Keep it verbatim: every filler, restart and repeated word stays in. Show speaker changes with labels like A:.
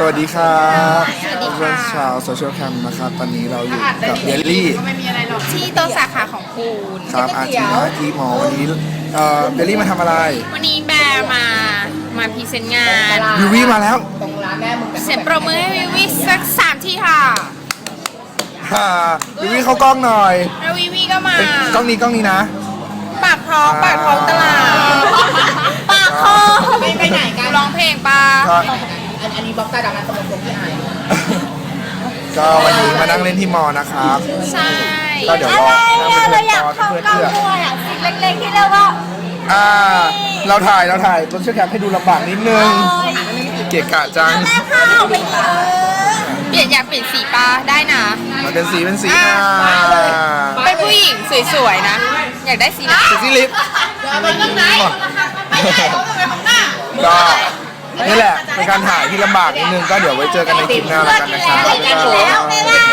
A: สวัสดีครับ
B: สวัสดีค่ะ
A: เพื่อนชาวโซเชียลแคมนะครับตอนนี้เราอยู่กับเยลลี่
B: ที่โต๊ะสาขาของปูน
A: ครับอาทีนะทีหมอวันนี้เอ่อเยลลี่มาทำอะไร
B: วันนี้แบร์มา มาพรีเซนต์งาน
A: วิวี่มาแล้ว
B: เสียงปรบมือให้วิวิสักสามทีค่ะ
A: ฮ่าวิวี่เข้ากล้องหน่อย
B: แล้ววิวิก็มา
A: เป็นกล้องนี้กล้องนี้นะ
B: ปากท้องปากท้องตลาด ปากคอ
C: ไปไปไหนกัน
B: ร้องเพลงปะ
A: ก็
C: อันอันนี้บล็อกตาดำมันสมองพี่ไอ
A: ก็วันนี้มานั่งเล่นที่มอนะครับ
B: ใช่
A: ก็เดี๋ยวรอนั่งเป็นเพื่อนรอเพื่อนเพื่อน
D: เล็กๆที่เรียกว่า
A: อ่าเราถ่ายเราถ่ายโซเชียลแคมให้ดูลำบากนิดนึงเกะกะจัง
D: แม่ข้าวไปเออ
B: เปลี่ยนอยากเปลี่ยนสีปะได้นะ
A: มันเป็นสีเป็นสี
B: อ่า
A: อ่า
B: เป็นผู้หญิงสวยๆนะ อยากได้สีไหน
A: สีสีลิป
C: ไปข้างไหนไปไหนเขาจะไปข้างหน้า
A: ก็นี่แหละเป็นการถ่ายที่ลำบากนิดนึงก็เดี๋ยวไว้เจอกันในคลิปหน้าแล้วกันนะครับ
D: แล้วไม่ว่า